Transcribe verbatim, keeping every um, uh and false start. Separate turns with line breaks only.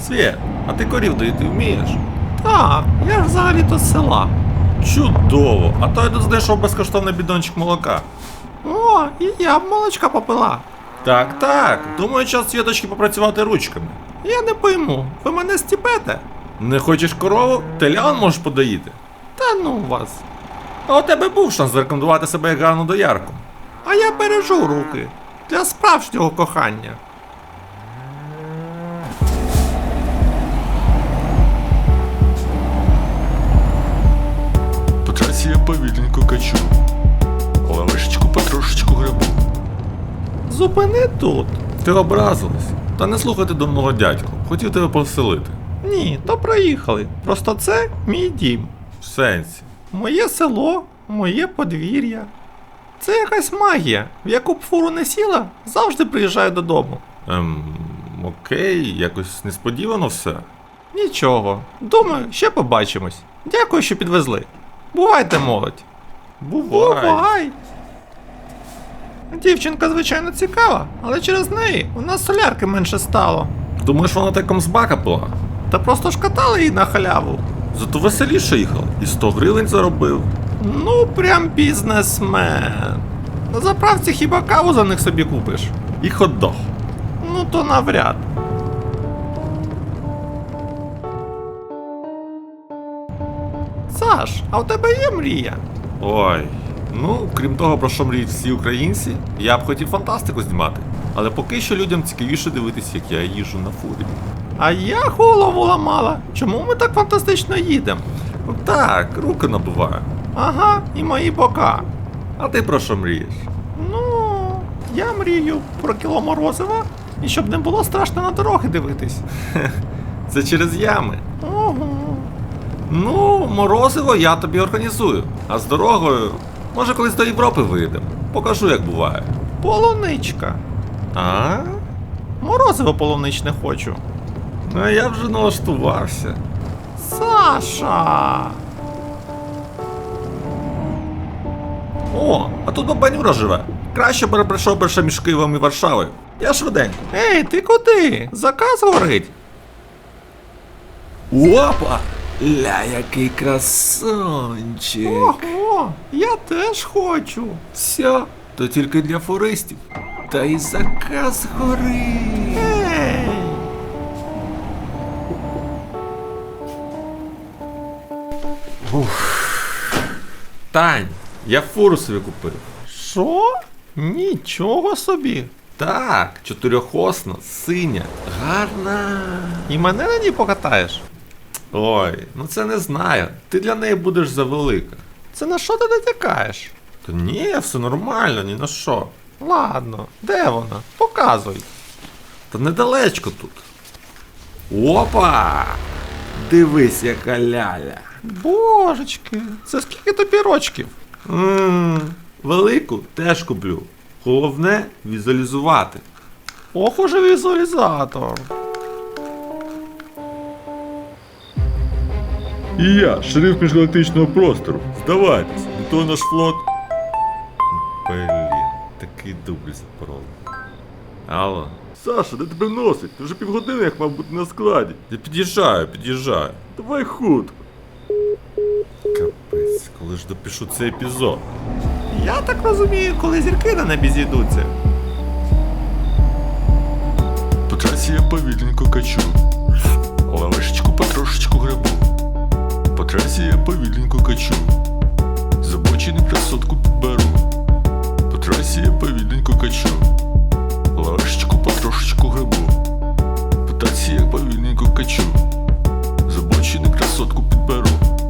Свєт, а ти корів доїти вмієш?
Так, я ж взагалі-то з села.
Чудово! А то я тут знайшов безкоштовний бідончик молока.
О, і я б молочка попила.
Так, так. Думаю, час Світочки попрацювати ручками.
Я не пойму, ви мене стіпете?
Не хочеш корову? Телян можеш подоїти.
Та ну вас.
А у тебе був шанс зарекомендувати себе як гарну доярку.
А я бережу руки. Для справжнього кохання.
По трасі я повільненько качу, лавишечку потрошечку грабу.
Зупини тут.
Ти образилась? Та не слухати дурного дядьку. Хотів тебе повеселити.
Ні, то проїхали. Просто це мій дім.
В сенсі.
Моє село, моє подвір'я. Це якась магія. В яку б фуру не сіла, завжди приїжджаю додому.
Ем, окей, якось несподівано все.
Нічого. Думаю, ще побачимось. Дякую, що підвезли. Бувайте, молодь.
Бувай.
Бувай. Дівчинка, звичайно, цікава, але через неї у нас солярки менше стало.
Думаєш, вона таком з бака була?
Та просто ж катали її на халяву.
Зато веселіше їхав. І сто гривень заробив.
Ну, прям бізнесмен. На заправці хіба каву за них собі купиш?
І хот-дог.
Ну то навряд. Саш, а у тебе є мрія?
Ой. Ну, крім того, про що мріють всі українці, я б хотів фантастику знімати. Але поки що людям цікавіше дивитися, як я їжджу на фурі.
А я голову ламала. Чому ми так фантастично їдемо?
Ну так, руки набуваю.
Ага, і мої бока.
А ти про що мрієш?
Ну, я мрію про кіло морозива, і щоб не було страшно на дороги дивитись.
Це через ями.
Ого.
Ну, морозиво я тобі організую. А з дорогою, може колись до Європи виїдемо. Покажу, як буває.
Полуничка.
А?
Морозиво полуничне хочу.
Ну, а я вже налаштувався.
Саша!
О, а тут бабанюра живе. Краще б прийшов перше між Києвом і Варшавою. Я швиденько.
Ей, ти куди? Заказ горить.
Опа! Ля, який красончик.
Ого, я теж хочу.
Все, то тільки для фуристів. Та й заказ горить.
Ей!
Тань, я фуру собі купив.
Що? Нічого собі.
Так, чотирьохосна, синя, гарна.
І мене на ній покатаєш?
Ой, ну це не знаю. Ти для неї будеш завелика.
Це на що ти натякаєш?
Та ні, все нормально, ні на що.
Ладно, де вона? Показуй.
Та недалечко тут. Опа! Дивись, яка ляля.
Божечки, це скільки тобі рочків?
Ммм, велику теж куплю. Головне візуалізувати.
Ох уже візуалізатор.
І я, шериф міжгалактичного простору. Здавайтесь, не то наш флот.
Блін, такий дубль запороли. Алло.
Саша, де тебе носить? Ти вже півгодини як мав бути на складі.
Я під'їжджаю, під'їжджаю.
Давай хутко.
Капець, коли ж допишу цей епізод.
Я так розумію, коли зірки на небі зійдуться.
По трасі я повільненько качу, лавишечку потрошечку грабу. По трасі я повільненько качу, з обочини красотку підберу. По трасі я повільненько качу, лавишечку потрошечку грабу. По трасі я повільненько качу, з обочини красотку підберу.